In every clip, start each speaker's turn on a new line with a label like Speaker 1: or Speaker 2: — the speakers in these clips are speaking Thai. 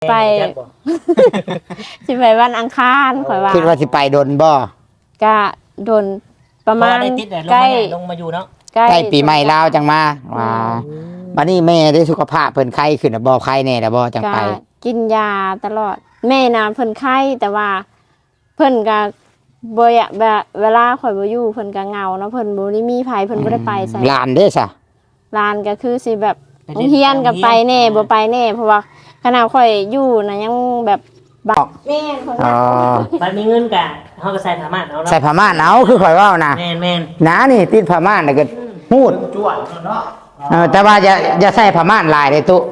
Speaker 1: ไป สิไปวันอังคารข่อยว่า
Speaker 2: คิดว่าสิไปดนบ่
Speaker 1: ก็โดนประมาณ
Speaker 3: ได้ติดลง
Speaker 1: ใกล้
Speaker 3: ลงมาอยู่เนาะ
Speaker 2: ใกล้ปีใหม่ลาวจังมาว่าบัดนี้แม่ได้สุขภาพเพิ่นไข้ขึ้นน่ะบ่ไข้แน่ล่ะบ่จัง
Speaker 1: ก็
Speaker 2: ไป
Speaker 1: กินยาตลอด แม่น่ะเพิ่นไข้แต่ว่า เพิ่นก็บ่อยากแบบเวลาข่อยบ่อยู่เพิ่นก็เหงาเนาะเพิ่นบ่ได้มีไผเพิ่นบ่ได้ไปไส
Speaker 2: หลานเด้ซะ
Speaker 1: ร้านก็คือสิแบบโรงเรียนก็ไปแน่บ่ไปแน่เพราะว่าขณะข่อยอยู่น่ะยังแบบบักแม่นเพิ่น
Speaker 2: อ๋อ
Speaker 3: บัดมีเงินกะเฮาก็ใส่ผ้าม่านเอาเนาะ
Speaker 2: ใส่ผ้าม่านเอาคือข่อยเว้านะ
Speaker 3: แม่น
Speaker 2: หนานี่ติดผ้าม่านน่ะก็ฮูด
Speaker 4: จวดเนาะ
Speaker 2: แต่ว่าอย่าใส่ผ้าม่านหลายเด้ตุ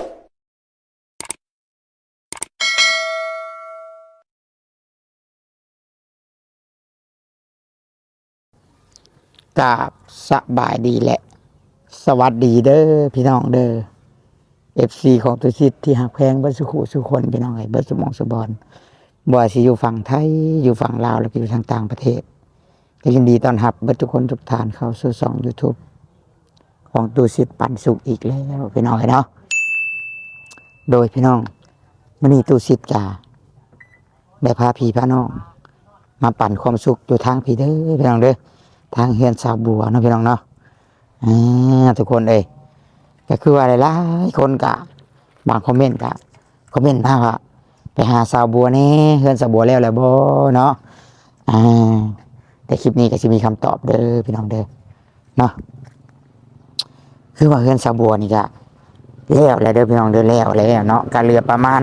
Speaker 2: กราบสบายดีแหละ สวัสดีเด้อพี่น้องเด้อ FC ของตุสิทธิ์ที่หักแพงเบิดสุขุสุคนพี่น้องเอ้ยเบิดสมองสบอนบ่ว่าสิอยู่ฝั่งไทยอยู่ฝั่งลาวแล้วก็อยู่ทางต่างประเทศก็ยินดีต้อนรับเบิดทุกคนทุกท่านเข้าสู่ช่อง YouTube ของตุสิทธิ์ปันสุขอีกแล้วพี่น้องเอ้ยเนาะโดยพี่น้องมื้อนี้ตุสิทธิ์จะได้พาพี่พาน้องมาปั่นความสุขอยู่ทางพี่เด้อพี่น้องเด้อทางเฮือนสาวบัวเนาะพี่น้องเนาะทุกคนเอ้ยก็คือว่าหลายๆคนกะบางคอมเมนต์กะคอมเมนต์มาว่าไปหาสาวบัวนี่เฮือนสาวบัวแล้วแหละบ่เนาะแต่คลิปนี้ก็สิมีคำตอบเด้อพี่น้องเด้อเนาะคือว่าเฮือนสาวบัวนี่ก็แล้วแหละเด้อพี่น้องเด้อแล้วเนาะก็เหลือประมาณ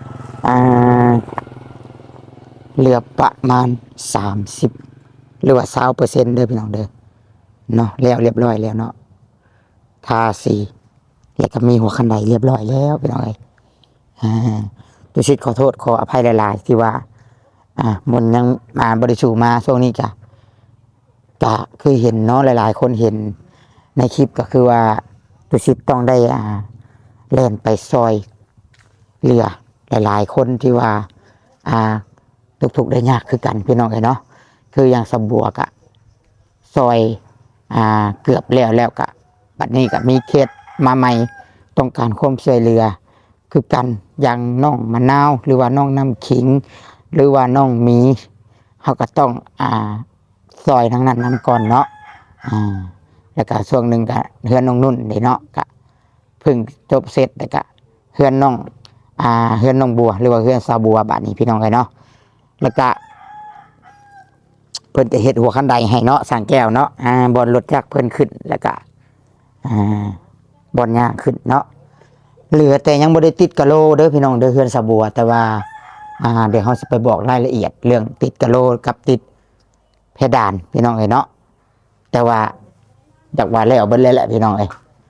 Speaker 2: เหลือประมาณ30หรือว่า20%เด้อพี่น้องเด้อเนาะแล้วเรียบร้อยแล้วเนาะทาสีแล้วก็มีหัวคันไดเรียบร้อยแล้วพี่น้องเอ้ยตุชิตขอโทษขออภัยหลายๆที่ว่ามันยังมาบริสุทธิ์มาช่วงนี้ก็คือเห็นเนาะหลายๆคนเห็นในคลิปก็คือว่าตุชิตต้องได้เล่นไปซอยเรือหลายๆคนที่ว่าทุกๆได้ยากคือกันพี่น้องเอ้ยเนาะคืออย่างสะบัวกะซอยเกือบแล้วกะบัดนี้ก็มีเคสมาใหม่ต้องการความช่วยเหลือคือกันอย่างน้องมะนาวหรือว่าน้องน้ำขิงหรือว่าน้องหมีเขาก็ต้องซอยทั้งนั้นนำก่อนเนาะแล้วก็ช่วงหนึ่งก็เฮือนน้องนุ่นเนาะก็เพิ่งจบเสร็จแล้วก็เฮือนน้องบัวหรือว่าเฮือนสาวบัวบัดนี้พี่น้องเลยเนาะแล้วก็เพิ่นจะเฮ็ดหัวคันไดให้เนาะสั่งแก้วเนาะบอลรถจักรเพิ่นขึ้นแล้วก็บอลย่างขึ้นเนาะเหลือแต่ยังบ่ได้ติดกะโลเด้อพี่น้องเด้อเฮือนสะบัวแต่ว่าเดี๋ยวเฮาสิไปบอกรายละเอียดเรื่องติดกะโลกับติดเพดานพี่น้องเอ้ยเนาะแต่ว่าจากว่าแล้วเบิดเลยแหละพี่น้องเอ้ย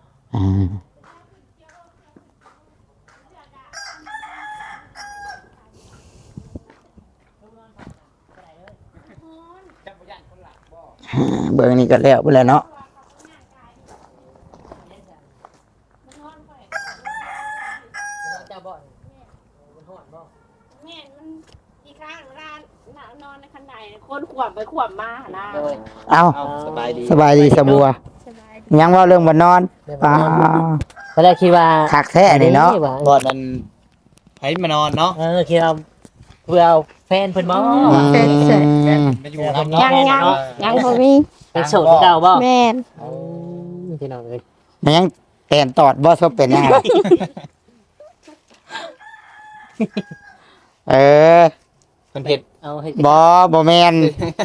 Speaker 2: เบอร์นี้ก็แล้วไปแล้วเนาะ
Speaker 1: นในคันไดคนขวบไปขวบมานะ
Speaker 2: เอา
Speaker 4: สบายดี
Speaker 2: สบายดีสะบัวยังว่าเรื่องบ่นอน
Speaker 3: ตอนแรกคิดว่า
Speaker 2: คักแท้นี่เนาะ
Speaker 4: บอดมันให้มานอนเนาะ
Speaker 3: คิดว่าเพื่อเอาแฟนเพิ่นบ่
Speaker 4: มาอยู่ทำเนาะ
Speaker 1: ยังบ่มี
Speaker 3: เป็นโสดเก่าบ่
Speaker 1: แม่น
Speaker 3: พี่น้องเอ้ย
Speaker 2: มันยังแตนตอดบ่ซบเป็นยังไง
Speaker 4: เป็นเผ็ด
Speaker 3: เอาให้
Speaker 2: บ่แม่น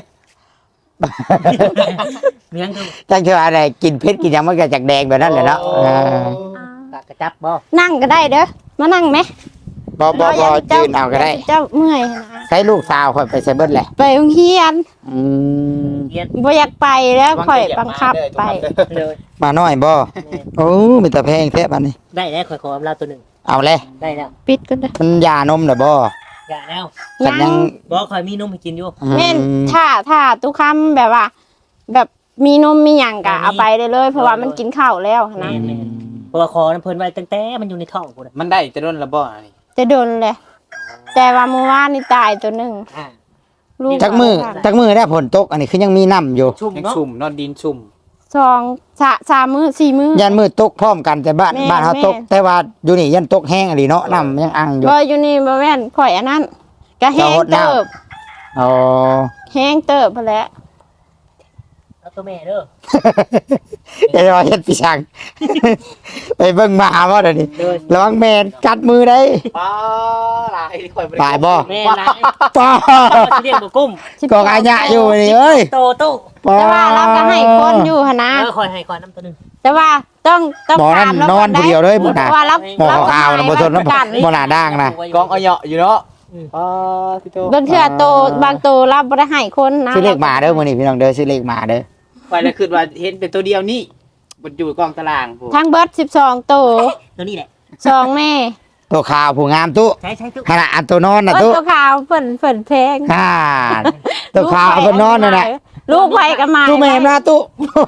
Speaker 3: เมียงคือ
Speaker 2: จังเชื่ออะไรกินเผ็ดกินหยังมันก็จากแดงแบบนั้นแหละเนาะ
Speaker 3: ปากกระจับบ่
Speaker 1: นั่งก็ได้เด้อมานั่งไหม
Speaker 2: บ่ยืนเอาก็ได้
Speaker 1: เจ้าเมื่อยนะ
Speaker 2: ใช้ลูกสาวค่อยไปใส่เบิดแหละ
Speaker 1: ไปโรงเรียน
Speaker 3: เรียน
Speaker 1: บ่อยากไปแล้วข่อยบังคับไป
Speaker 3: เลย
Speaker 2: มาน้อยบ่โอ้มีแต่แพงแท้บัดนี้
Speaker 3: ได้แล้วขออำลาตัวหนึ่ง
Speaker 2: เอาเลย
Speaker 3: ได้แล้ว
Speaker 1: ปิดกันเด้อ
Speaker 2: มันยานมน่ะบ่
Speaker 3: อย่าแล้ว
Speaker 2: ฉันยัง
Speaker 3: บ่คอยมีนมให้กินอยู่
Speaker 1: แม่นถ้าทุกคำแบบว่า แบบมีนมมีหยังกะเอาไปได้เลยเพราะว่ามันกินข้าวแล้วนะ
Speaker 3: เพราะว่าคอนั้นเพิ่นไว้ตั้งแต่มันอยู่ในท้องพุ่น
Speaker 4: มันได้จะโดนระบ่นี่
Speaker 1: จะโดนเลย แต่ว่าเมื่อวานนี่ตายตัวหนึ่งลูก
Speaker 2: จักมือได้ผลตกอันนี้คือยังมีน้ำอยู่
Speaker 3: ชุ่ม
Speaker 4: ยัง
Speaker 3: เนาะ
Speaker 4: ชุ่มนอนดินชุ่ม
Speaker 1: 3 มื้อ4 มื้อ
Speaker 2: ยันมืดตกพร้อมกันแต่บ้าน
Speaker 1: แม่
Speaker 2: บ้านเฮาตก
Speaker 1: แม่
Speaker 2: แต่ว่าอยู่นี่ยันตกแห้งอีหลีเนาะน้ำยังอังอยู่
Speaker 1: บ่อยู่นี่บ่แม่นข่อยอันนั้นก็แห้ง
Speaker 2: เจ้าหดน้ำ
Speaker 1: เติบ
Speaker 2: อ๋อ
Speaker 1: แห้งเติบพุ่นแหละ
Speaker 3: เอาตัวแม่เด้อ
Speaker 2: จะรอเฮ็ดพี่ช่าง ไปเบิ่งหมาบ่เดี๋ยวนี้
Speaker 3: เด้อ
Speaker 2: ระวังแม่นกัดมือได้
Speaker 4: ป้าหลายข่อยบ่ได้
Speaker 2: ตายบ่
Speaker 3: แม่นาย
Speaker 2: ป้า
Speaker 3: เอาสิเรียกบ่กุ้ม
Speaker 2: ก็อาญะอยู่นี่เอ้ย
Speaker 3: โตตู้
Speaker 2: ป้า
Speaker 1: แต่ว่าเราก็ให้คนอยู่หั่นนะ
Speaker 3: คอยให้คอยน้ำตัวหนึง
Speaker 1: แต่ว่าต้อง
Speaker 2: หมอนั่น
Speaker 1: ถามเรา
Speaker 2: นอนผู้เดียวเลยพุ่น
Speaker 1: เพ
Speaker 2: น่ะ
Speaker 1: ราะว่าเรา
Speaker 2: หมอ
Speaker 1: เราก็
Speaker 2: ขาวๆน่ะบ่ทน
Speaker 1: ให้กัน
Speaker 2: บ่น่าด่างนะ
Speaker 4: กองเอาเหยาะอยู่เนาะป้าพี่โต
Speaker 1: บางเทื่อโตบางโตเราบ่ได้ให้คนนะ
Speaker 2: ซื้อเลขหมาเด้อมื้อนี้พี่น้องเด้อซื้อเลขหมาเด้อ
Speaker 4: ไปแล้วคิดว่าเห็นเป็นตัวเดียวนี่มันอยู่กองตารางผู้
Speaker 1: ทั้งเบิด12โต
Speaker 3: ตัวนี้แหละ
Speaker 1: 2แม่
Speaker 2: ตัวขาวผู้งามตู้
Speaker 3: ใช้ตู้
Speaker 2: ขนาดอันตัวนอนน่ะ
Speaker 1: เอ้ย
Speaker 2: ตู้
Speaker 1: ตัวขาวเพิ่นแพง
Speaker 2: อ่าตัวขาวเอาไปนอนนั่นแหละ
Speaker 1: ลูกไผก็มา
Speaker 2: ตู้แม่มาตู้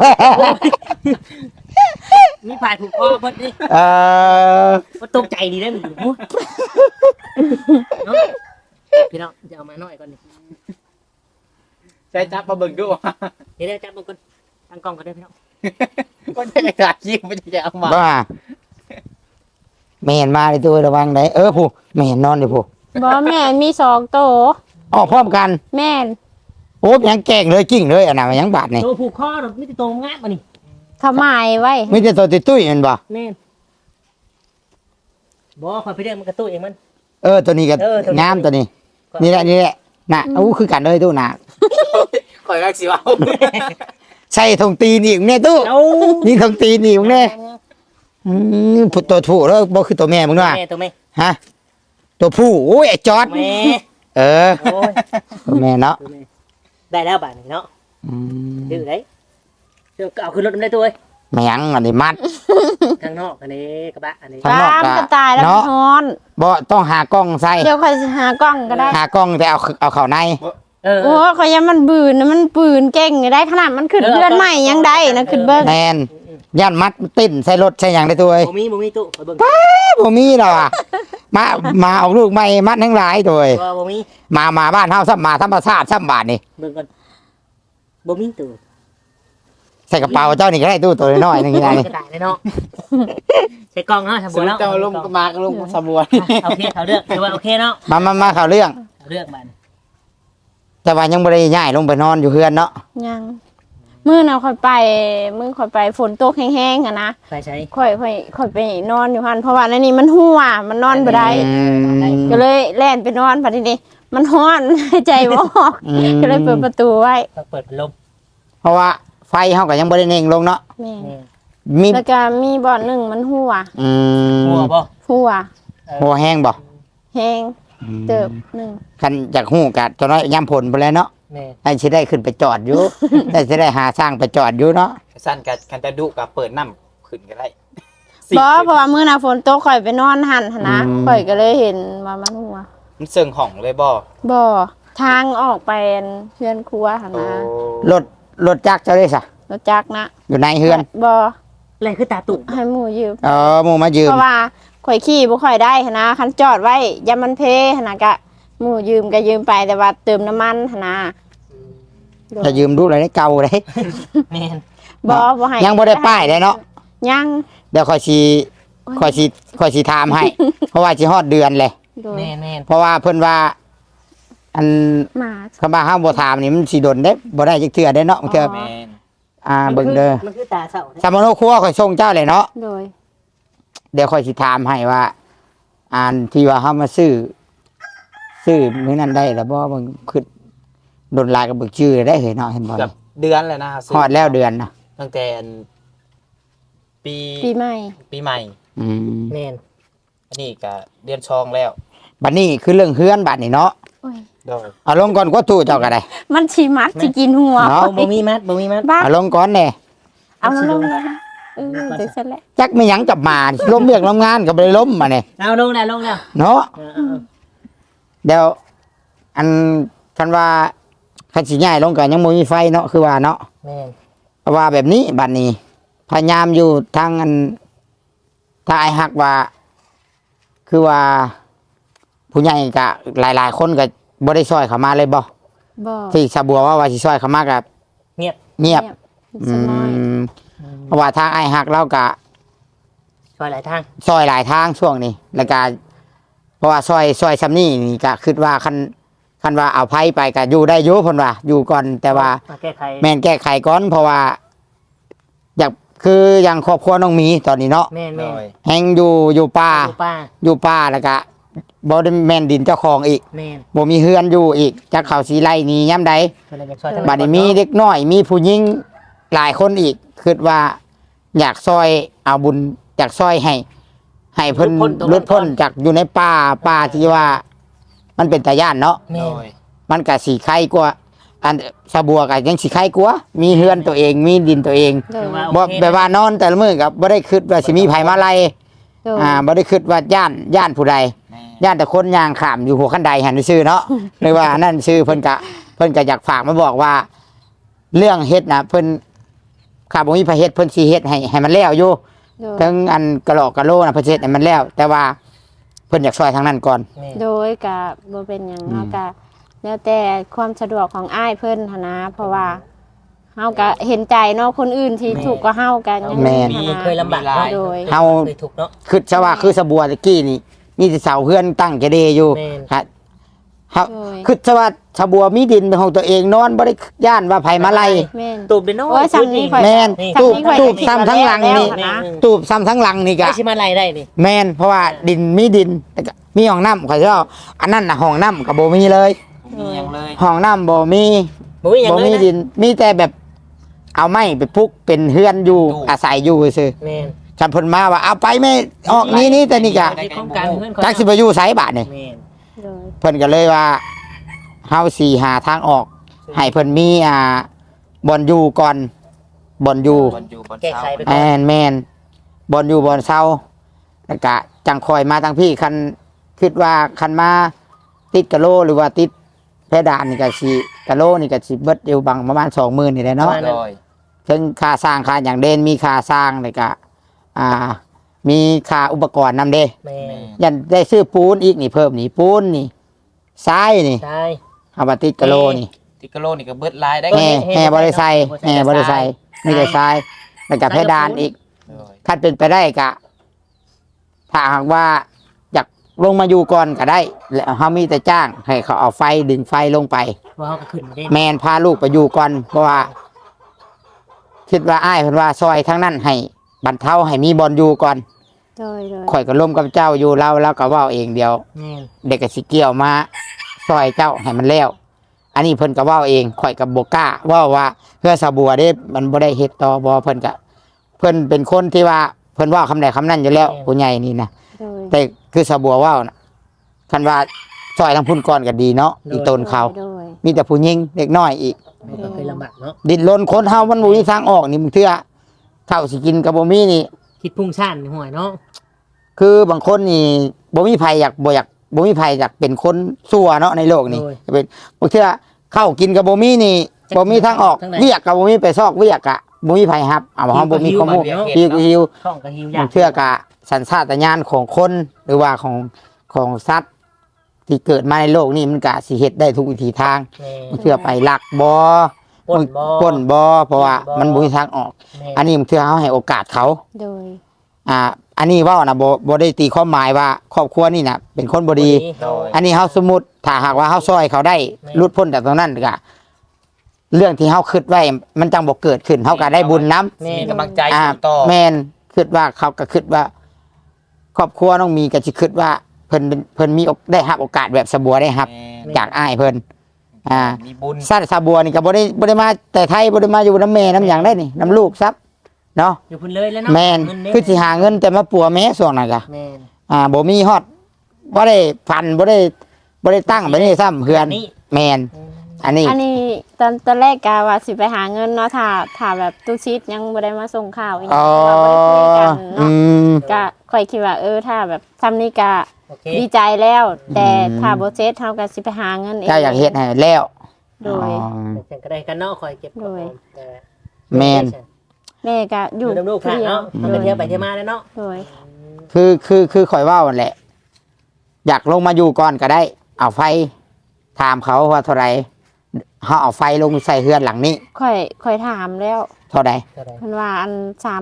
Speaker 3: มีผ่ายผูกคอเพิ่นดิ
Speaker 2: เออ
Speaker 3: มันตกใจดีได้มันอยู่เนาะพี่น้องจะเอามาหน่อยก่อนนี่
Speaker 4: ใช้จับมาเบิ่งดู
Speaker 3: เดี๋ยวจับมันก่อนตั้งกล้องก่อนเด้อพี่น้อง
Speaker 4: ก็จะขาดยิงไม่จะเอามา
Speaker 2: บ้าแม่นมาเลยตู้ระวังได้เออผู้แม่นนอนอยู่ผู้
Speaker 1: บ่แม่มี2โต
Speaker 2: ออกพร้อมกัน
Speaker 1: แม่น
Speaker 2: โอ้ยยังแกล้งเลยกิ้งเลยอันน่ะมันยังบาดนี่
Speaker 3: ตัวผูกคอดอกมีแต่ตัวงามมานี่
Speaker 1: เขาหมายไว้
Speaker 2: มีแต่ตัวตุ้ยๆแมันบ่
Speaker 3: แม่นบ่คอยไปเรียกมันกระตุ้ยเองมัน
Speaker 2: เออตัวนี้ก็
Speaker 3: เออตัวนี้
Speaker 2: งามตัวนี้ นี่แหละนี่แหละน่ะอู้คือกันเลยตู้น่ะ
Speaker 4: ข่อยรักสิว่า
Speaker 2: ใช่ทงตีนอีกเนี่ยตู้
Speaker 3: เอา
Speaker 2: นี่ทงตีนอีกเนี่ยผู้ตัวผู้แล้วบ่คือตัวแม่มึงด้วย
Speaker 3: แม่ตัวแม่
Speaker 2: ฮะตัวผู้โอ้ยไอ้จอด
Speaker 3: แม่
Speaker 2: เออ
Speaker 3: โอ้ย
Speaker 2: ตัวแม่เนาะ
Speaker 3: ตัวแม่ได้แล้วบาทนี่เนาะ
Speaker 2: อืม
Speaker 3: ดื้อได้เดี๋ยวเอาขึ้นรถมันได้ตัวเว้ย
Speaker 2: แม่งอันนี้มัด
Speaker 3: ข้างนอกอันนี้กระบะอันนี้
Speaker 2: ข้างนอก
Speaker 1: ตามก็ตายแล้ว
Speaker 2: เนาะ
Speaker 1: มันฮ้อน
Speaker 2: บ่ต้องหากล้องใส่
Speaker 1: เดี๋ยวค่อยสิหากล้องก็ได้
Speaker 2: หากล้องแต่เอาเข้าใน
Speaker 3: เออ
Speaker 1: โอ้ขอยยังมันบืนนะมันปืนเก่งได้ขนาดมันขึ้นเพื่อนใหม่ยังได้นะขึ้นเบิ้ง
Speaker 2: แมนย่านมัดติ้นใส่รถใส่หยังได้ตัวเอ้ย
Speaker 3: บ่มีตู้ไปเบิ่ง
Speaker 2: บ่มีดอกอะมาเอาลูกใหม่มัดทั้งหลายตัวเอ้ย
Speaker 3: บ่มี
Speaker 2: มาบ้านเฮาซ้ำมาธรรมชาติซ้ำบาทนี่
Speaker 3: เบิ่งก่อนบ่มีตู้
Speaker 2: ใส่กระเป๋าเจ้านี่ก็ได้ตู้ตัวน้อยๆนึงนี่นะนี่
Speaker 3: กระต่ายเลยเนาะใส่กล้องเนาะสม
Speaker 4: ส
Speaker 3: บูร
Speaker 4: ม
Speaker 3: ณ์แล้ว
Speaker 4: เจ้าลงมาก็ลงสมบูรณ์
Speaker 3: โอเคเขาเลือกถือว่าโอเคเนาะ
Speaker 2: มาเข้าเรื่อง
Speaker 3: เขาเลือกบัด
Speaker 2: แต่ว่ายังบ่ได้ย้ายลงไปนอนอยู่เฮือนเนาะ
Speaker 1: ยังมื้อน่ะค่อยไปฝนตกแห้งๆอะนะ
Speaker 3: ไปใช้
Speaker 1: ค่อยไปนอนอยู่หั่นเพราะว่าในนี้มันหัวมันนอนบ่ได้
Speaker 2: อืม
Speaker 1: ก็เลยแล่นไปนอนบัดนี้มันฮ้อน หายใจบ่ออก
Speaker 2: อืม
Speaker 1: ก็เลยเปิดประตูไว้
Speaker 3: ต้องเปิดพัดลม
Speaker 2: เพราะว่าไฟเฮาก็ยังบ่ได้เน่งลงเนาะ
Speaker 1: แม่
Speaker 3: นี่
Speaker 2: มี
Speaker 1: แล้วก็มีบ่อนหนึงมันหัว
Speaker 2: อืม
Speaker 3: หัวบ่
Speaker 1: หัว
Speaker 2: หัวแห้งบ่
Speaker 1: แห้งเติบหนึง
Speaker 2: คันอยากฮู้ก็ตัวน้อยยามผลไปแล้วเนาะ
Speaker 3: แม่
Speaker 2: ไอ้สิได้ขึ้นไปจอดอยู่ ไอ้สิได้หาสร้างไปจอดอยู่เนาะ
Speaker 4: สั้นกับคันจะดุกับเปิดน้ำขึ้นก็ได้
Speaker 1: บ่เพราะว่ามื้อน่ะฝนตกข่อยไปนอนหั่นหั่นนะข่อยก็เลยเห็นว่ามันหัว
Speaker 4: มันเสื่องห่องเลยบ่
Speaker 1: บ่ทางออกไปเฮือนครัวหั่น
Speaker 4: โอ้
Speaker 1: นะ
Speaker 2: รถจักรเจ้าได้ซะ
Speaker 1: รถจักรนะ
Speaker 2: อยู่ในเฮือน
Speaker 1: บ่
Speaker 3: อะไรคือตาตุ่ม
Speaker 1: ให้หมู่ยืม
Speaker 2: หมู่มายืม
Speaker 1: เพราะว่าข่อยขี่บ่ค่อยได้หันนะคันจอดไว้ยามมันเพหันนะก็หมู่ยืมก็ยืมไปแต่ว่าเติมน้ำมันหันนะโดย
Speaker 2: จะยืมดูอะไรได้เก่าเลย
Speaker 3: แม่น
Speaker 1: บ่ให้
Speaker 2: ยังบ่ได้ป้ายเลยเนาะ
Speaker 1: ยัง
Speaker 2: เดี๋ยวคอยสิถามให้ เพราะว่าสิฮอดเดือนเลย
Speaker 1: โดย
Speaker 3: แม่นแม่น
Speaker 2: เพราะว่าเพิ่นว่าอัน
Speaker 1: มา
Speaker 2: คำว่าห้ามบ่ถามนี่มันสิดนได้บ่ได้จักเทื่อได้เนาะบางเทื่อ
Speaker 4: แม่น
Speaker 2: เบิ่งเด้อ
Speaker 3: มันคือตาเศร้า
Speaker 2: สามโนครัวข่อยส่งเจ้าเลยเนาะ
Speaker 1: โดย
Speaker 2: เดี๋ยวข่อยสิถามให้ว่าอันที่ว่าเฮามาซื้อมื้อนั้นได้แล้วบ่เบิ่งคือดนลายกับเบิ่งชื่อได้เห็นเนาะเห็นบ่
Speaker 4: เกือบเดือนเลยนะ
Speaker 2: ฮอดแล้วเดือนน่ะ
Speaker 4: ตั้งแต่อันปี
Speaker 1: ปีใหม่
Speaker 4: ปีใหม่
Speaker 2: อืม
Speaker 3: แม่น
Speaker 4: อันนี้ก็เดือนชองแล้ว
Speaker 2: บัดนี้คือเรื่องเฮือนบัดนี้เนาะ
Speaker 1: โอ้ย
Speaker 4: โดย
Speaker 2: เอาลงก่อนกว่าตู้เจ้าก็ได้
Speaker 1: มันสิมัดสิกินหัว
Speaker 2: เนาะ
Speaker 3: บ่มีมัดบ่มีมัด
Speaker 1: บ้า
Speaker 2: เอาลงก่อนแน่
Speaker 1: เอามาลงเลยนะเดี๋ยวเสร็จแล้ว
Speaker 2: จักไม่หยังจับมาล้มเรียกล้มงานก็บ่ได้ล้มมาเนี่ย
Speaker 3: เอาลงแล้วลงแล้ว
Speaker 2: เนาะ
Speaker 3: เออ
Speaker 2: เดี๋ยวอันคันว่าคันสิย้ายลงก็ยังบ่มีไฟเนาะคือว่าเนาะ
Speaker 3: แม่น
Speaker 2: เพราะว่าแบบนี้บัดนี้พยายามอยู่ทางอันถ้าไอ้ฮักว่า คือว่า ผู้ใหญ่ก็หลายๆคนก็บ่ได้ช่วยเข้ามาเลยบ่
Speaker 1: บ่
Speaker 2: ที่สะบัวว่าสิช่วยเข้ามาก็
Speaker 3: เงียบ
Speaker 2: เงียบอื
Speaker 1: สน้อย
Speaker 2: มเพราะว่าทางไอ้หักเราก็
Speaker 3: ช่วยหลายทาง
Speaker 2: ซอยหลายทางช่วงนี้แล้วก็เพราะว่าซอยซำนี่นี่ก็คิดว่าคันว่าเอาไผไปก็อยู่ได้อยู่เพิ่นว่าอยู่ก่อนแต่ว่า
Speaker 3: มาแก้ไข
Speaker 2: แม่นแก้ไขก่อนเพราะว่า อยากคืออย่างครอบครัวน้องหมีตอนนี้เนาะ
Speaker 3: แม่น
Speaker 4: โด
Speaker 3: แม่น
Speaker 4: ย
Speaker 2: แฮงอยู่ป่า
Speaker 3: อยู่ป้า
Speaker 2: อยู่ป่าแล้วก็บ่ได้แม่นดินเจ้าของอีก
Speaker 3: แม่น
Speaker 2: บ่มีเฮือนอยู่อีกจักเขาสีไล่หนี้ยามใด
Speaker 3: เพิ่นเลยอยากช่วยทาง
Speaker 2: บัดนี้มีเด็กน้อยมีผู้หญิงหลายคนอีกคิดว่า อยากซอยเอาบุญอยากซอยให้เพิ่นหลุดพ้นจากอยู่ในป่าที่ว่า มันเป็นตาย่านเนาะ
Speaker 3: แม่
Speaker 4: โด
Speaker 3: น
Speaker 4: ย
Speaker 2: มันก็สีไข่กว่าอันสะบัวก็ยังสีไข่กว่ามีเฮือนตัวเองมีดินตัวเอง
Speaker 1: โดย
Speaker 2: บ่แบบว่านอนแต่ละมื้อก็บ่ได้คิดว่าสิมีไผมาไล่
Speaker 1: โดย
Speaker 2: บ่ได้คิดว่าย่านผู้ใด
Speaker 4: แม่
Speaker 2: ย่านแต่คนย่างข้ามอยู่หัวคันไดหันซื่อเนาะ หรือว่าอันนั่นชื่อเพิ่นก็อยากฝากมาบอกว่า เรื่องเฮ็ดน่ะเพิ่นข้าบ่มีไผเฮ็ดเพิ่นสิเฮ็ดให้มันแล้วอยู่
Speaker 1: โดย
Speaker 2: ทั้งอันกะโหลกกะโหลน่ะเพิ่นสิเฮ็ดให้มันแล้ว แต่ว่าเพิ่นอยากช่วยทางนั้นก่อน
Speaker 3: แม่น
Speaker 1: โดยก็บ่เป็นหยังเฮาก็แล้วแต่ความสะดวกของอ้ายเพิ่นหันนะเพราะว่าเฮาก็เห็นใจเนาะคนอื่นที่ถูกกว่าเฮากันยัง
Speaker 2: แม่น
Speaker 1: หั้นนะ
Speaker 3: เคยลำบากเนาะ
Speaker 1: โดย
Speaker 2: เฮา
Speaker 3: เคยถูกข์เนาะ
Speaker 2: คือซะว่าคือสะบัวตะกี้นี่มีแต่เสาเฮือนตั้งแกเดอยู่
Speaker 3: แม่น
Speaker 2: ฮะเฮา
Speaker 1: โดย
Speaker 2: คือซะว่าสะบัวมีดินเป็นของตัวเองนอนบ่ได้ย่านว่าไผมาไล่
Speaker 1: แม่น
Speaker 3: ตูบเด้อเนาะ
Speaker 1: โอ้ยซ้ำนี่ข่อย
Speaker 2: แม่น
Speaker 3: นี่
Speaker 2: ตูบ
Speaker 1: ข่อย
Speaker 2: ตูบ
Speaker 1: ก็คิด
Speaker 2: ซ้ำทั้งหลัง
Speaker 1: ว่า
Speaker 2: นี่
Speaker 1: แล้วนะ
Speaker 2: ตูบซ้ำทั้งหลังนี่ก็
Speaker 3: ไอ้สิมาไล่ได้นี่
Speaker 2: แม่นเพราะว่าดินมีดินแต่ก็มีห้องน้ำข่อยสิเอาอันนั้นน่ะห้องน้ำก็บ่มีเลย
Speaker 4: มีหยังเลย
Speaker 2: ห้องน้ำบ่มี
Speaker 3: บ่มีหยัง
Speaker 2: บ่
Speaker 3: เลย
Speaker 2: มี
Speaker 3: นะ
Speaker 2: ดิน มีแต่แบบ เอาไม้ไปพุกเป็นเฮือนอยู่อาศัยอยู่ซื่อ
Speaker 3: แม่น
Speaker 2: คันเพิ่นมาว่าเอาไปแม่ออกนี่แต่นี่ก็
Speaker 3: ที่โครงการเพื่อน
Speaker 2: จักสิไปอยู่ไสบาดนี่
Speaker 3: แม่น
Speaker 1: โดย
Speaker 2: เพิ่นก็เลยว่าเฮาสิหาทางออก ให้เพิ่นมีบ่อนอยู่ก่อนบ่อนอยู่
Speaker 4: บนอยู่บน
Speaker 3: แก้
Speaker 4: เสา
Speaker 3: ไขไป
Speaker 2: แม่นบ่อนอยู่บ่อนเซาแล้วก็จังคอยมาทางพี่คันคิดว่าคันมาติดกะโลหรือว่าติดเพดานนี่ก็สิกะโลนี่ก็สิเบิดอยู่บางประมาณ 20,000นี่แหละเนาะ
Speaker 4: โดย
Speaker 2: ถึงค่าสร้างค่าอย่างเด่นมีค่าสร้างแล้วก็มีค่าอุปกรณ์นำเด้
Speaker 3: แม่น
Speaker 2: ยันได้ซื้อปูนอีกนี่เพิ่มนี่ปูนนี่ทรายนี่
Speaker 3: ใช่
Speaker 2: เอามาติดกะโลนี่
Speaker 4: ติกะโลนี่ก็เบิดลายได้
Speaker 2: แห่บริไซแห่บริไซนี่ก็ทรายแล้วก็เพดานอีก
Speaker 4: โดย
Speaker 2: ถ้าเป็นไปได้ก็ถ้าหากว่าอยากลงมาอยู่ก่อนก็ได้ แล้วเขามีแต่จ้าง ให้เขาเอาไฟดึงไฟลงไป
Speaker 3: ว่าเขาก็ขึ้นได้
Speaker 2: แมนพาลูกไปอยู่ก่อนเพราะว่า คิดว่าอ้ายเพิ่นว่าซอยทั้งนั้นให้บรรเทาให้มีบอลอยู่ก่อน
Speaker 1: โดยโดย
Speaker 2: ข่อยก็ร่วมกับเจ้าอยู่แล้วก็เว่าเองเดียว
Speaker 3: แม่น
Speaker 2: เด็กก็สิเกี่ยวมาซอยเจ้าให้มันแล้วอันนี้เพิ่นก็เว่าเองข่อยกับโบกล้าเว่าเพื่อสาบัวเด้มันบ่ได้เฮ็ดต่อบ่เพิ่นก็เพิ่นเป็นคนที่ว่าเพิ่นเว่าคำใดคำนั้นอยู่แล้วผู้ใหญ่นี่นะ
Speaker 1: โดย
Speaker 2: แต่คือสาบัวเว่านะคันว่าซอยทางพุ่นก่อนก็ดีเนาะอีต้นเขา
Speaker 1: โดย
Speaker 2: มีแต่ผู้หญิงเด็กน้อยอีก
Speaker 3: มันก็เคยลำบากเนาะ
Speaker 2: ดิ้นรนคนเฮามันบ่มีทางออกนี่มึงเทื่อข้าวสิกินก็บ่มีนี่
Speaker 3: คิดพุ่งชั่นห่วยเนาะ
Speaker 2: คือบางคนนี่บ่มีไผอยากบ่มีไผอยากเป็นคนชั่วเนาะในโลกนี่จะเป็นบางเทื่อข้าวกินก็บ่มีนี่บ่มีทางออกเวียกก็บ่มีไปซอกเวียกอะบ่มีไผรับเอาเฮาบ่มีข้อมูลหิว
Speaker 3: ท้องก็หิว
Speaker 2: บาย
Speaker 3: อาง ก
Speaker 2: เทื่อกะสัญชาตญาณของคนหรือว่าของสัตว์ที่เกิดมาในโลกนี้มันก็สิเฮ็ดได้ทุกวิถีทาง
Speaker 3: แม่
Speaker 2: บางเทื่อไปลักบ่
Speaker 3: ป่นบ่
Speaker 2: ปล้นบ่เพราะว่ามันบ่มีทางออก
Speaker 3: แม่
Speaker 2: อันนี้บางเทื่อเฮาให้โอกาสเขา
Speaker 1: โดย
Speaker 2: อันนี้เว้านะบ่ได้ตีความหมายว่าครอบครัวนี่น่ะเป็นคนบ่ดี
Speaker 3: โดย
Speaker 2: อันนี้เฮาสมมุติถ้าหากว่าเฮาซอยเขาได้
Speaker 3: แม่
Speaker 2: หลุดพ้นจากตรงนั้นก็เรื่องที่เฮาคิดไว้มันจังบ่เกิดขึ้นเฮาก็ได้บุญนํ
Speaker 3: แม่
Speaker 4: มีกำลังใจอ
Speaker 2: อ่า
Speaker 4: ยู่ต่อ
Speaker 2: แม่นคิดว่าเขาก็คิดว่า ครอบครัวน้องมีก็สิคิดว่าเพิ่นมีได้รับโอกาสแบบสะบัวได้รับ
Speaker 4: แม่
Speaker 2: จากอ้ายเพิ่น
Speaker 4: มีบุญ
Speaker 2: สัตว์สะบัวนี่ก็บ่ได้มาแต่ไทยบ่ได้มาอยู่น้ำแม่น้ำหยังได้นี่น้ำลูกซับเนาะ
Speaker 3: อยู่พุ่นเลยแล้วเนาะ
Speaker 2: แม่น
Speaker 3: เงิเด้
Speaker 2: คือสิหาเงินแต่มาปัวแม่ส่วงนั้นก็
Speaker 3: แม่น
Speaker 2: บ่มีฮอดบ่ได้พันบ่ได้ตั้งไปนี่ซ้ำเฮือน
Speaker 3: นี่
Speaker 2: แม่นอันนี้
Speaker 1: อันนี้ตอนแรกกะว่าสิไปหาเงินเนาะถ้าแบบตู้ชิดยังบ่ได้มาส่งข่าวอีก
Speaker 2: อ๋อ
Speaker 1: ว่าบ่ได้คุยกัน
Speaker 2: อื
Speaker 1: เนาะ
Speaker 2: ม
Speaker 1: ก็ค่อยคิดว่าถ้าแบบทำนี่กะ
Speaker 3: โอเค
Speaker 1: ดีใจแล้ว แต่
Speaker 2: อืม
Speaker 1: ถ้าบ่เซ็ตเฮาก็สิไปหาเงินเอง
Speaker 2: เจ้าอยากเฮ็ดให้แล้ว
Speaker 1: โดย
Speaker 2: อ๋อ
Speaker 3: แต่ก็ได้กันเนาะคอยเก็บ
Speaker 1: โดย
Speaker 3: แต่
Speaker 2: แม่น
Speaker 1: แม่ก็อ
Speaker 3: อยู่ ยู่น้ำลูกค่ะเนาะ
Speaker 1: โด
Speaker 3: มัน
Speaker 1: ย
Speaker 3: ไปเที่ยวไปเที่ยวมาแล้วเนาะ
Speaker 1: โดย
Speaker 2: คือข่อยเว่านั่นแหละ อยากลงมาอยู่ก่อนก็ได้ เอาไฟถามเขาว่าเท่าไหรเขาเอาไฟลงใส่เฮือนหลังนี้
Speaker 1: ค่อยถามแล้ว
Speaker 2: เท่าใด
Speaker 3: เท่าไหร่
Speaker 1: เพิ่นว่าอัน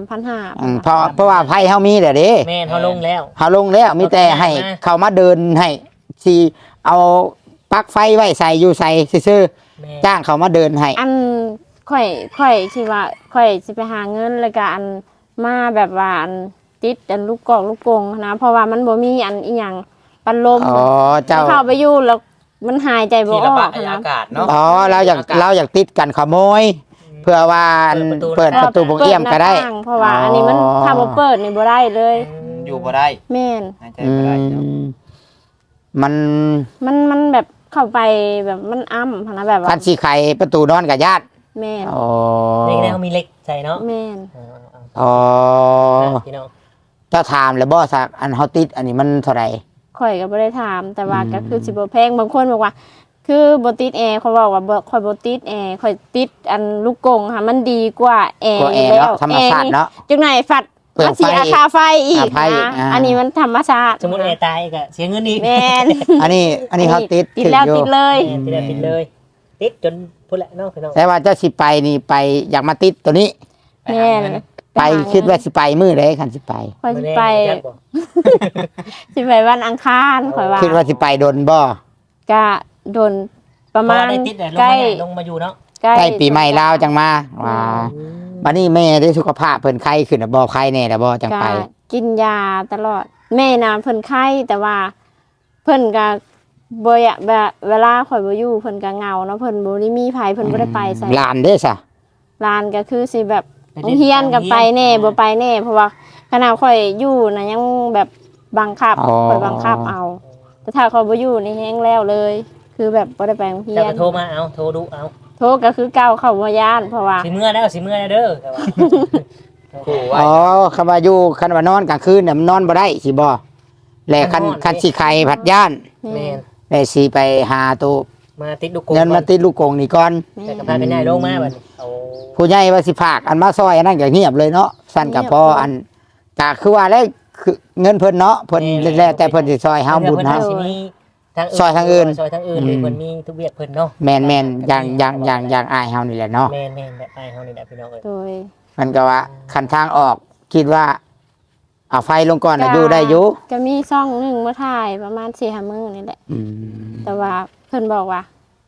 Speaker 1: 3,500
Speaker 2: เพราะว่าไผเฮามีแล้วเด้
Speaker 3: แม่นเฮาลงแล้ว
Speaker 2: เฮาลงแล้วมีแต่ให้เขามาเดินให้สิเอาปลั๊กไฟไว้ใส่อยู่ใส่ซื่อ
Speaker 3: แม่
Speaker 2: ๆจ้างเขามาเดินให้
Speaker 1: อันข่อยคิดว่าข่อยสิไปหาเงินแล้วก็อันมาแบบว่าอันติดอันลูกกอกลูกกงนะเพราะว่ามันบ่มีอันอีหยังปัดลม
Speaker 2: อ๋อเจ้า
Speaker 1: เข้าไปอยู่แล้วมันหายใจบ่
Speaker 4: ที่
Speaker 1: อ
Speaker 4: ระ
Speaker 1: อบ
Speaker 4: าก ย
Speaker 1: นะ
Speaker 4: อากาศเนาะ
Speaker 2: อ๋อเราอยากติดกันขโมย เพื่อว่าเปิดประตูบงเอี่ยมก็ได้
Speaker 1: เปิหน้าต่างเพราะว่าอันนี้มันถ้าบ่เปิดนี่บ่ได้เลย
Speaker 4: อยู่บ่ได้
Speaker 1: แม่น
Speaker 4: หายใจ
Speaker 2: อื
Speaker 4: บ่ได้เนาะ
Speaker 2: มมัน
Speaker 1: มันแบบเข้าไปแบบมันอ้ำนะแบบ
Speaker 2: คั
Speaker 1: ว่าน
Speaker 2: สีไข่ประตูนอนกับญาติ
Speaker 1: แม่น
Speaker 2: อ๋อ
Speaker 3: นี่ได้เฮามีเหล็กใส่เนาะ
Speaker 1: แม่น
Speaker 2: อ๋อ
Speaker 3: พี่น้อง
Speaker 2: เจ้าถามแล้วบ่สักอันเฮาติดอันนี้มันเท่าไหร่
Speaker 1: ข่อยก็บ่ได้ถามแต่ว่า
Speaker 2: อืม
Speaker 1: ก็คือสิบ่แพงบางคนบอกว่า คือบ่ติดแอร์เขาบอกว่าบ่ข่อยบ่ติดแอร์ข่อยติดอันลูกกงค่ะมันดีกว่าแอร์
Speaker 2: ก็แอร์
Speaker 1: ยู่
Speaker 2: เนาะธรรมชาติเนาะ
Speaker 1: จังไหนฝัด
Speaker 2: เปลือง
Speaker 1: มันเสีย
Speaker 2: ไฟ
Speaker 1: ค่าไฟอีก
Speaker 2: ค่าไฟอีก
Speaker 1: นะ
Speaker 2: อ่า
Speaker 1: อันนี้มันธรรมชาติ
Speaker 3: สมมุติแอร์ตายก็เสียเงินอีก
Speaker 1: แม่น
Speaker 2: อันนี้เฮาติด
Speaker 1: ติดแล้ว
Speaker 2: อยู่
Speaker 1: ติดเลย
Speaker 3: แม่นติดแล้วติดเลยติดจนพุ่นแหละเนาะพี่น้อง
Speaker 2: แต่ว่าเจ้าสิไปนี่ไปอยากมาติดตัวนี้
Speaker 1: แม่น
Speaker 2: ไปคิดว่าสิไปมื้อใดคันสิไป
Speaker 1: ข่อยสิ
Speaker 3: แน่
Speaker 1: ไป
Speaker 3: จักบ่
Speaker 1: สิไปวันอังคารข่อยว่า
Speaker 2: คิดว่าสิไปดนบ่
Speaker 1: ก็โดนประมาณ
Speaker 3: พอได้ติดแล้วลง
Speaker 1: ใกล้
Speaker 3: ลงมาอยู่เนาะ
Speaker 1: ใกล้
Speaker 2: ใกล้ปีใหม่ลาวจังมาว่าบัดนี้แม่ได้สุขภาพเพิ่นไข้ขึ้นน่ะบ่ไข้แน่ล่ะบ่จัง
Speaker 1: ก็
Speaker 2: ไป
Speaker 1: กินยาตลอด แม่น่ะเพิ่นไข้แต่ว่า เพิ่นก็บ่อยากแบบเวลาข่อยบ่อยู่เพิ่นก็เหงาเนาะเพิ่นบ่ได้มีไผเพิ่นบ่ได้ไปใส่
Speaker 2: หลานเด้อซะ
Speaker 1: ร้านก็คือสิแบบโรงเรียนกับไปแน่บ่ไปแน่เพราะว่าขณะข่อยอยู่นะยังแบบบังคับข่อยบังคับเอา แต่ถ้าข่อยบ่อยู่นี่แฮงแล้วเลย คือแบบบ่ได้ไปโรงเรีย
Speaker 3: เจ้าน ก็โทรมาเอาโทรดูเอา
Speaker 1: โทรก็คือเก่าเข้าบ่ย่านเพราะว่า
Speaker 3: สิเมื่อแล้วสิเมื่อแล้วเด้อแต่ว่า
Speaker 4: ขู่ไว้
Speaker 2: อ๋อคำว่าอยู่คันว่านอนกลางคืนน่ะมันนอนบ่ได้สิบ่และคันสิไข่ผัดย่าน
Speaker 3: แม่น
Speaker 2: ได้สิไปหาตัว
Speaker 3: มาติดลูกกง
Speaker 2: เงินมาติดลูกกงนี่ก่อน
Speaker 3: แต่ก็พากันย้ายลงมาบัดนี้เอา
Speaker 2: ผู้ใหญ่ว่าสิพากอันมาซอยอันนั้นก็เงียบเลยเนาะสั้นกับพออันก็คือว่าแล้วคือเงินเพิ่นเนาะเพิ่นแล้วแต่เพิ่นสิซอยเฮาบุญ
Speaker 3: เฮา
Speaker 2: เฮา
Speaker 3: สิมีทาง
Speaker 2: ซอยทางอื่น
Speaker 3: ซอยทางอื่นหรือเพิ่นมีทุกเวียกเพิ่นเนาะ
Speaker 2: แม่นๆอย่างอายเฮานี่แหละเนาะ
Speaker 3: แม่นแบบไปเฮานี่แหละพี่น้องเอ้ย
Speaker 1: โดย
Speaker 2: มันก็ว่าคันทางออกคิดว่าเอาไฟลงก่อนน่ะอยู่ได้อยู่
Speaker 1: ก็มีซ่องหนึงมาถ่ายประมาณ 4-5 มื้อนี่แหละ
Speaker 2: อืม
Speaker 1: แต่ว่าเพิ่นบอกว่า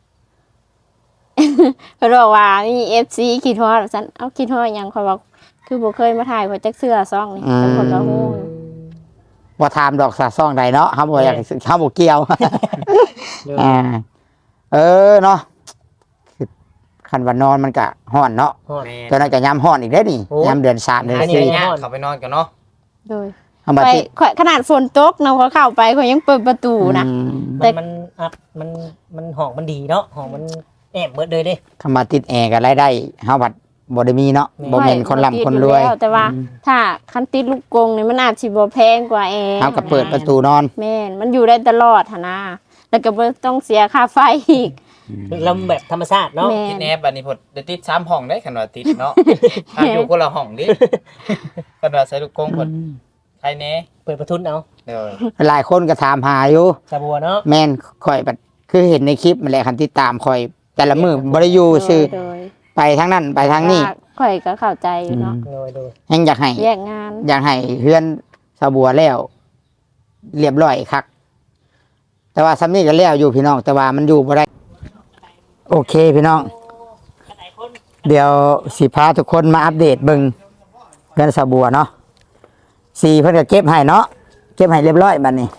Speaker 1: เพิ่นบอกว่ามี FC คิดฮอดซั่นเอาคิดฮอดหยังข่อยบอกคือบ่เคยมาถ่ายข่อยจักเสื้อซ่องนี่แต่เพิ่นก็ฮู้
Speaker 2: บ่ถามดอกสะซ่องใดเนาะเฮาบ่อยากเฮาบ่เกี่ยว อ่าเนาะคือคันว่านอนมันก็ฮ้อนเนาะ
Speaker 3: ฮอด
Speaker 4: แม่
Speaker 2: ตอนนั้นก็ยามฮ้อนอีกเด้อนี่
Speaker 3: โอ้
Speaker 2: ยามเดือน3เดือน
Speaker 3: อันนี้
Speaker 2: 4
Speaker 4: ย่างเข้าไปนอนกันเนาะ
Speaker 1: โดย
Speaker 2: เอามา
Speaker 1: ไป
Speaker 2: ติด
Speaker 1: ข่อยขนาดฝนตกนะเขาเข้าไปเขายังเปิดประตูนะ
Speaker 2: อืม
Speaker 1: แต่
Speaker 3: มันอัดมันห้องมันดีเนาะห้องมันแอบเบิดเลยเด้
Speaker 2: คำว่าติดแอร์ก็รายได้เฮาบัดบ่ได้มีเนาะบ่แม่นคนร่ำคนรวย
Speaker 1: ติดอแล้แต่ว่าถ้าคันติดลูกกรงนี่มันอาจสิบ่แพงกว่าแอร์
Speaker 2: เฮาก็เปิดประตูนอน
Speaker 1: แม่นมันอยู่ได้ตลอดหั่นนะแล้วก็บ่ต้องเสียค่าไฟอีก
Speaker 3: ลำแบบธรรมชาติเนาะ
Speaker 1: แม่
Speaker 4: ติดแนบอันนี้พดเดี๋ยวติด3ห้องได้คันว่าติดเนาะถ้าอยู่คนละห้องดิคันว่าใส่ลูกกงพดใครแน่
Speaker 3: เปิดประทุนเอา
Speaker 4: เด้อ
Speaker 2: หลายคนก็ถามหาอยู่
Speaker 3: สาบัวเนาะ
Speaker 2: แม่นข่อยบัดคือเห็นในคลิปมันแหละคันติดตามข่อย แต่ละมื้อบ่ได้อยู่ซื่อ
Speaker 1: โดย
Speaker 2: ไปทางนั้นไปทางนี้
Speaker 1: ว่าข่อยก็เข้าใจอยู่เนาะ
Speaker 3: โดย
Speaker 2: แฮงอยากให้
Speaker 1: แยกงาน
Speaker 2: อยากให้เฮือนสะบัวแล้ว เรียบร้อยคักแต่ว่าซ้ำนี้ก็แล้วอยู่พี่น้อง แต่ว่ามันอยู่บ่ได้ โอเคพี่น้อง เดี๋ยวสิพาทุกคนมาอัปเดตเบิ่งเฮือนสะบัวเนาะสีเพิ่นก็เก็บให้เนาะเก็บให้เรียบร้อยบัดนี้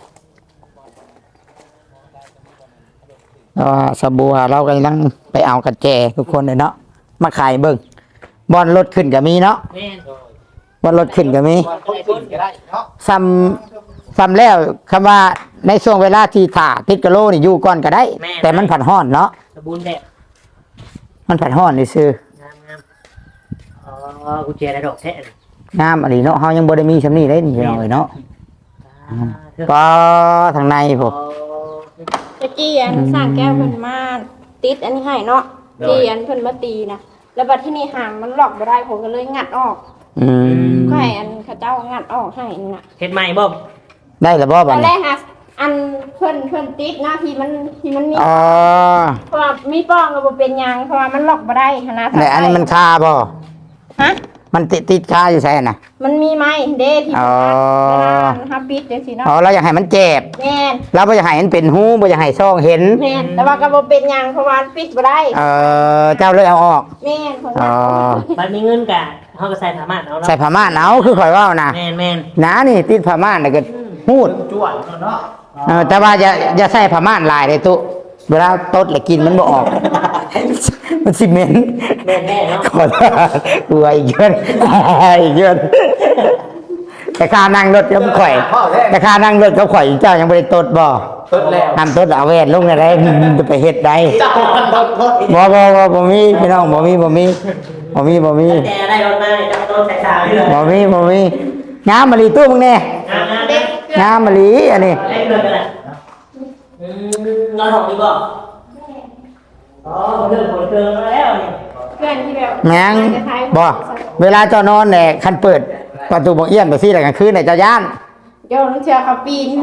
Speaker 2: แล้วสะบัวเรากำลังไปเอากระแจทุกคนเลยเนาะมาขายเบิ่งบอลรถขึ้นก็มีเนาะ
Speaker 3: แม่น
Speaker 2: บอลรถขึ้นก็มี
Speaker 4: คนขึ้นก็ได้เนาะ
Speaker 2: ซ้ำแล้วคำว่าในช่วงเวลาที่ถ่าติดกะโลนี่อยู่ก่อนก็ได้ แต่มันผัดห้อนเนาะ
Speaker 3: สบูนแบบ
Speaker 2: มันผัดห้อนนี่ซื่อง
Speaker 3: ามอ๋อกุญแจได้ดอกแท้
Speaker 2: งามอันนี้เนาะเฮายังบ่ได้มีซำนี้เลยนี่พี่น้องเอ้ยเนาะก็ทางในพวก
Speaker 1: ตะกี้อันสร้างแก้วเพิ่นมาติดอันนี้ให้เนาะที่อันเพิ่นมาตีนะแล้วบัดที่นี่หางมันล็อกบ่ได้ผมก็เลยงัดออก
Speaker 2: อืม
Speaker 1: ก็ให้อันเขาเจ้างัดออกให้นี่น่ะ
Speaker 3: เฮ็ดใหม่บ่
Speaker 2: ได้แล้วบ่
Speaker 1: ต
Speaker 2: บั
Speaker 1: อ
Speaker 2: ด
Speaker 1: นแร
Speaker 2: นี้
Speaker 1: กฮะอันเพิ่นติดนะที่มันมี
Speaker 2: อ๋อ
Speaker 1: เพราะว่ามีป้องก็บ่เป็นหยังเพราะว่ามันล็อกบ่ได้หั้นนะ
Speaker 2: แต่อันนี้มันคาบ่
Speaker 1: ฮะ
Speaker 2: มันติดคาอยู่ใช่น่ะ
Speaker 1: มันมีไหมเด้ที่
Speaker 2: อ๋อ
Speaker 1: เวลาฮับปิดจังซี่เนาะ
Speaker 2: อ๋อเราอยากให้มันเจ็บ
Speaker 1: แม่น
Speaker 2: เราบ่อยากให้มันเป็นหูบ่อยากให้ช่องเห็น
Speaker 1: แม่นแต่ว่าก็บ่เป็นหยังเพราะว่ามันปิดบ่ได้
Speaker 2: เจ้าเลยเอาออก
Speaker 1: แม่นคน
Speaker 2: อ๋
Speaker 1: นั้
Speaker 2: อ
Speaker 1: น
Speaker 3: มันมีเงินกะเขาก็ใส่สามารถเอาเนาะ
Speaker 2: ใส่ผ้าม่านเอาคือข่อยว่านะ
Speaker 3: แม่น
Speaker 2: น้านี่ติดผ้าม่านแล้วก็หูด
Speaker 4: จวดเนาะ
Speaker 2: แต่ว่าอย่าใส่ผ้าม่านลายเลยตุเวลาตดแล้วกินมันบ่ออก มันสิเหม็น
Speaker 3: แม่นแน่เนาะ
Speaker 2: ขอโทษกลัวอีกเยอะอีกเยอะแต่ค่านั่งรถกับข่อยแต่ค่านั่งรถกับข่อยเจ้ายังบ่ได้ตดบ่
Speaker 4: ตดแล้ว
Speaker 2: ทำตดเอาแว่นลงได้จะไปเฮ็ดได้
Speaker 4: จับตด
Speaker 2: บ่มีพี่น้องบ่มี
Speaker 3: แต่ได้รถมาเนี่ยจะโดนใส่สาวเลย
Speaker 2: บ่มีงามมะลีตู้มึงแน่
Speaker 3: เด็ก
Speaker 2: งามมะลีอันนี้
Speaker 3: เล็กเลยกันแหละนอนห้องดีบ่อ๋อเรื่องผลเกินมาแล้วเนี่ย
Speaker 1: เพื่อนที่แบบ
Speaker 2: แมงบ่เวลาเจ้านอนเนี่ยคันเปิดประตูบ่เอี้ยนไปซี่แล้วกลางคืนเนี่ยเจ้าย่าน
Speaker 1: เดี๋ยวน้องเชื่อเขาปีน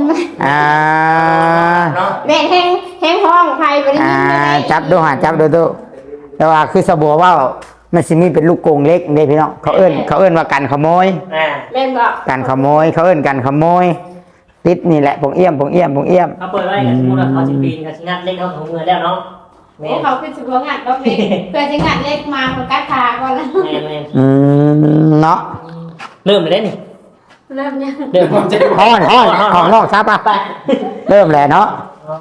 Speaker 1: แม่แห้งห้องใครบ่ได้ยินเลย
Speaker 2: จับดูตู้แต่ว่าคือสะบัวว่ามันสิมีเป็นลูกกรงเล็กเด้พี่น้องเขาเอิ้นว่ากันขโมย
Speaker 1: แม่นบ่
Speaker 2: กันขโมยเขาเอิ้นกันขโมยติดนี่แหละปงเอี้ยม
Speaker 3: เขาเปิดไว้กับสมมุติว่าเขาสิปีนกับสิงัดเล็กเขาของเงินแล้วเนาะ
Speaker 1: โอ้เขาคือสิบ่งัดดอกเล็กเพื่อสิงัดเล็กมาเขากัดขาก่อนแล้ว
Speaker 3: แม่น
Speaker 2: เนาะ
Speaker 3: เริ่มเลยนี่
Speaker 1: เริ่มยัง
Speaker 3: เริ่ม
Speaker 2: ฮ้อนของนอกซับอ่ะ
Speaker 3: ไป
Speaker 2: เริ่มแล้วเนาะ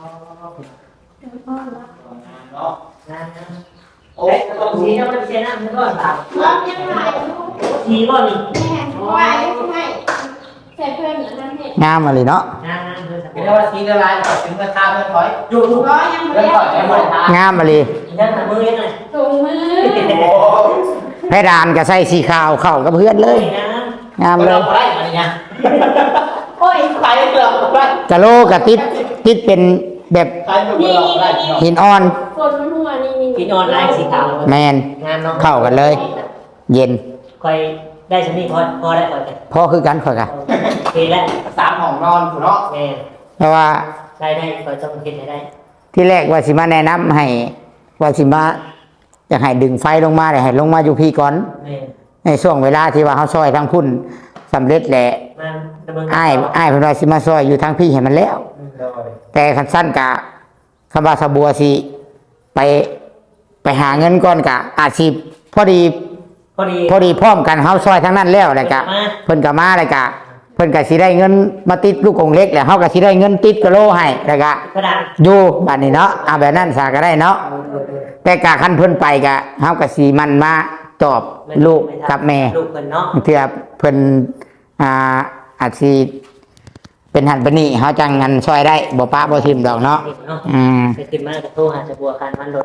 Speaker 3: โอ้ยตรงนี้มันเสียน้ำมันก็ตาม
Speaker 1: เริ่มยังไง
Speaker 3: ทีก็นี่
Speaker 1: แม่ไหวให้ใส่เพื่อนอย่างนั้นเฮ็ด
Speaker 2: งามมาเลยเนาะ
Speaker 3: งานเพื่อนสัก
Speaker 4: เรียกว่าทีละลายก่อนถึงราคาเพื่อนถอย
Speaker 3: อยู่
Speaker 1: ร้อยยังบ่
Speaker 4: เพื่อน
Speaker 1: ได้
Speaker 4: ถอยยังไม่ได้
Speaker 2: งามมาเลย
Speaker 3: ยังหามือยังไง
Speaker 1: ถุงมือ
Speaker 4: โอ้
Speaker 2: เพดานก็ใส่สีขาวเข้ากับเพื่อนเลย งามเลย
Speaker 4: เราได้อะไรเงี้ย
Speaker 1: โอ้ย
Speaker 4: ใครเลือกได้
Speaker 2: กะโลกะติดเป็นแบบ
Speaker 4: ใครเลือกได้
Speaker 2: หินอ่อน
Speaker 1: คนมันหัวนี่
Speaker 3: กินออนไลน์สีขาว
Speaker 2: แมน
Speaker 3: งานเนาะ
Speaker 2: เข้ากันเลย เย็น
Speaker 3: คอยได้ชนิดพอได้ก่อนกัน
Speaker 2: พอคือกันข่อยกะ
Speaker 3: เห็นแล้ว
Speaker 4: 3ห้องนอนเนาะ
Speaker 3: แม่
Speaker 2: เพราะว่า
Speaker 3: ได้คอยต้องคิดให้ได้
Speaker 2: ที่แรกว่าสิมาแนะนำให้ว่าสิมาอยากให้ดึงไฟลงมาให้ลงมาอยู่พี่ก่อน
Speaker 3: แม่
Speaker 2: ในช่วงเวลาที่ว่าเขาซอยทั้งพุ่นสำเร็จแหละ
Speaker 3: มันดำเนิน
Speaker 2: อ้ายเพิ่นว่าสิมาซอยอยู่ทางพี่ให้มันแล้ว แต่คันสั้นกะคำว่าสะบัวสิไปหาเงินก่อนกะอาจสิพอดี
Speaker 3: พอดี
Speaker 2: พร้อมกันเฮาซอยทั้งนั้นแล้วแหละกะเพิ่นก็มาแล้วกะเพิ่นก็สิได้เงินมาติดลูกกงเล็กแล้วเฮาก็สิได้เงินติดกะโลให้แล้วก็
Speaker 3: กระดาษ
Speaker 2: อยู่บัดนี้เนาะเอาแบบนั้นซะก็ได้เนาะแต่กะคันเพิ่นไปกะเฮาก็สิมันมาตอบลูกกับแม่
Speaker 3: ลูกเพิ่นเนาะ
Speaker 2: เพื่อเพิ่นอาจสิเป็นหันเป็นนี่เฮาจังงันซอยได้บ่ปะบ่ทิมดอกเนาะ
Speaker 3: เนาะ
Speaker 2: อืม
Speaker 3: ไปขึ้นมาจะโทรหาจะบัวคันมันรถ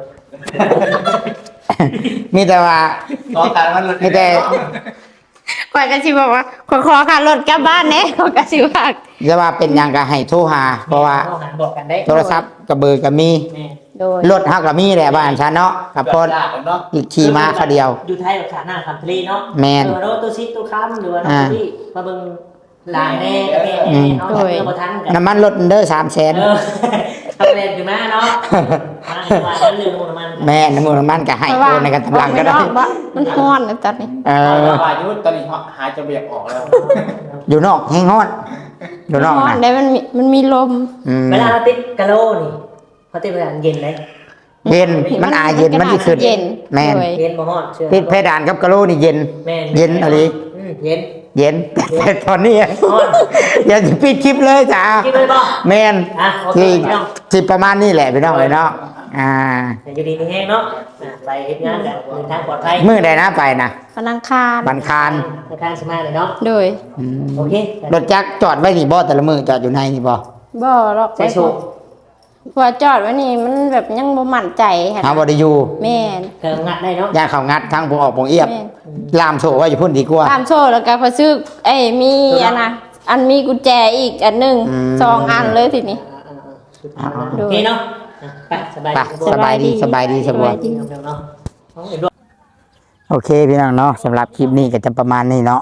Speaker 2: มีแต่ว่า
Speaker 4: ต่อการมัน
Speaker 2: มีแต่
Speaker 1: ข่อยก็สิบอกว่าขอค่ารถกลับบ้านแน่ข่อยก็สิว่า
Speaker 2: จะว่าเป็นหยังก็ให้โทรหา เพราะว่า
Speaker 3: โทรหาบอกกันได้
Speaker 2: โทรศัพท์กับเบอร์ก็มี
Speaker 3: แม่
Speaker 1: โดย
Speaker 2: รถเฮาก็มีแหละบ้านฉันเนาะกับพน
Speaker 4: เนาะ
Speaker 2: อีกขี่มาเขาเดียว
Speaker 3: อยู่ไทยกับขาหน้าคำทะเลเนาะ
Speaker 2: แม่น
Speaker 3: หรือว่าตัวซิตัวค้ำหรือว่าตัวที่มาเบิ่งหลายแน่แม่เนาะเพื่อบ่ทันกัน
Speaker 2: น้ำมันรถเด้อ300,000
Speaker 3: ทำเล่นอยู่มาเนาะมานั้นเรื่องน้ำมัน
Speaker 2: แม่น้ำมันก็ให้โอนในกันตำลังก็ได้
Speaker 1: มันฮ้อนนะจัดนี่
Speaker 4: อายุตอนนี้หาจะเบียบออกแล้ว
Speaker 2: อยู่นอกแห้งฮ้อนอยู่นอก
Speaker 1: ฮ้อน
Speaker 2: นะ
Speaker 1: ได้มันมีลม
Speaker 3: เวลาเราติดกะโลนี่เขาติดเวลาเย็นเลย
Speaker 2: เย็นมันอายเย็นมันสิขึ้น
Speaker 1: เย็น
Speaker 2: แม่น
Speaker 1: โดย
Speaker 3: เย็นบ่ฮอดเชื่อ
Speaker 2: ติดเพดานกับกะโหลนี่เย็น
Speaker 3: แม่น
Speaker 2: เย็นอะไร
Speaker 3: เย็น
Speaker 2: เย็นแต่ตอนนี้
Speaker 3: ฮ้อน
Speaker 2: อย่าปิดคลิปเลยจ้า
Speaker 3: คิดเลยบ่
Speaker 2: แมน
Speaker 3: อ่ะโอเค
Speaker 2: ที่
Speaker 3: พี่น้อง
Speaker 2: ที่ประมาณนี้แหละพี่น้องเลยเนาะ
Speaker 3: แต่อยู่ดีมีแห้งเนาะไปเฮ็ดงานแบบทางปลอดภัย
Speaker 2: มือใดนะไปนะ
Speaker 1: พนังคาร
Speaker 2: บันคาร
Speaker 3: ในทางสมาเลยเนาะ
Speaker 1: โดย
Speaker 3: โอเค
Speaker 2: รถจักรจอดไว้นี่บ่แต่ละมือจอดอยู่ในนี่บ่
Speaker 1: บ่หรอก
Speaker 3: ใช้โชค
Speaker 1: พอจอดไว้นี่มันแบบยังบ่มั่นใจค่ะ
Speaker 2: หาบ่ได้อยู่
Speaker 1: แม่น
Speaker 3: เกิดงัดได้เนาะ
Speaker 2: ย่างเขางัดทั้งผมออกผมเอียบ
Speaker 1: แม่น
Speaker 2: ลามโซ่ไว้อยู่พุ่นดีกว่า
Speaker 1: ตามโซ่แล้วก็พอซื้อมีอันนะอันมีกุญแจอีกอันหนึง
Speaker 2: อืม
Speaker 1: 2อันเลยทีนี้
Speaker 3: โอเคเนาะไปสบาย
Speaker 2: ไปสบายดีสบายดีสบาย
Speaker 3: จริงเนาะ
Speaker 2: โอเคพี่น้องเนาะสำหรับคลิปนี้ก็จะประมาณนี้เนาะ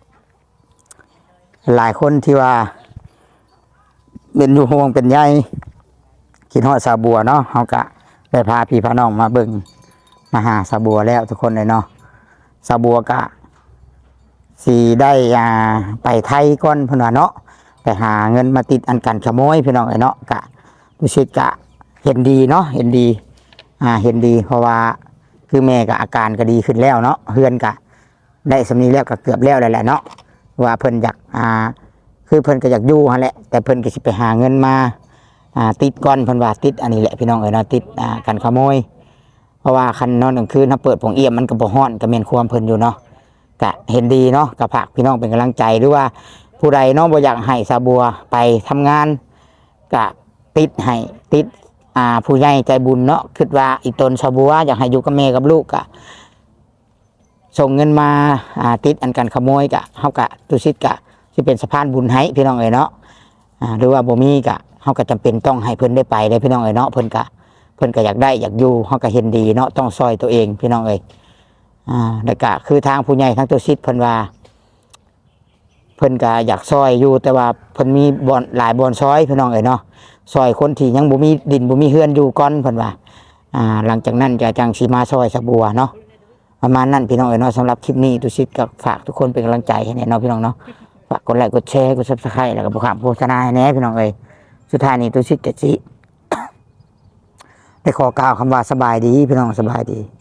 Speaker 2: หลายคนที่ว่าเป็นอยู่ห่วงเป็นใยคิดฮอดสาบัวเนาะเฮาก็ได้พาพี่พาน้องมาเบิ่งมาหาสาบัวแล้วทุกคนเลยเนาะสาวบัวก็สิได้ไปไทยก่อนเพิ่นว่าเนาะไปหาเงินมาติดอันกันขโมยพี่น้องเอ้ยเนาะก็รู้สึกก็เห็นดีเนาะเห็นดีเห็นดีเพราะว่าคือแม่ก็อาการก็ดีขึ้นแล้วเนาะเฮือนก็ได้สำนีแล้วก็เกือบแล้วแหละเนาะว่าเพิ่นอยากคือเพิ่นก็อยากอยู่หั่นแหละแต่เพิ่นก็สิไปหาเงินมาติดก่อนเพิ่นว่าติดอันนี้แหละพี่น้องเอ้ยเนาะติดกันขโมยเพราะว่าคันนอนกลางคืนถ้าเปิดโปงเอี่ยมมันก็บ่ฮ้อนก็แม่นความเพิ่นอยู่เนาะก็เห็นดีเนาะก็ฝากพี่น้องเป็นกำลังใจหรือว่าผู้ใดเนาะบ่อยากให้สาวบัวไปทำงานก็ติดให้ติดผู้ใหญ่ใจบุญเนาะคิดว่าอีตนสาวบัวอยากให้อยู่กับแม่กับลูกก็ส่งเงินมาติดอันกันขโมยก็เฮาก็ตุสิตก็สิเป็นสะพานบุญให้พี่น้องเอ้ยเนาะหรือว่าบ่มีก็เฮาก็จำเป็นต้องให้เพิ่นได้ไปเลยพี่น้องเอ้ยเนาะเพิ่นก็อยากได้อยากอยู่เฮาก็เห็นดีเนาะต้องซอยตัวเองพี่น้องเอ้ยแล้วก็คือทางผู้ใหญ่ทางตุสิตเพิ่นว่าเพิ่นก็อยากซอยอยู่แต่ว่าเพิ่นมีบ่อนหลายบ่อนซอยพี่น้องเอ้ยเนาะซอยคนที่ยังบ่มีดินบ่มีเฮือนอยู่ก่อนเพิ่นว่าหลังจากนั้นจะจังสิมาซอยสะบัวเนาะประมาณนั้นพี่น้องเอ้ยเนาะสำหรับคลิปนี้ตุสิตก็ฝากทุกคนเป็นกำลังใจให้แน่เนาะพี่น้องเนาะฝากกดไลค์กดแชร์กด Subscribe แล้วก็บ่ข้ามโฆษณาให้แน่พี่น้องเอ้ยสุดท้ายนี้ตุสิตจะสิได้ขอกล่าวคำว่าสบายดีพี่น้องสบายดี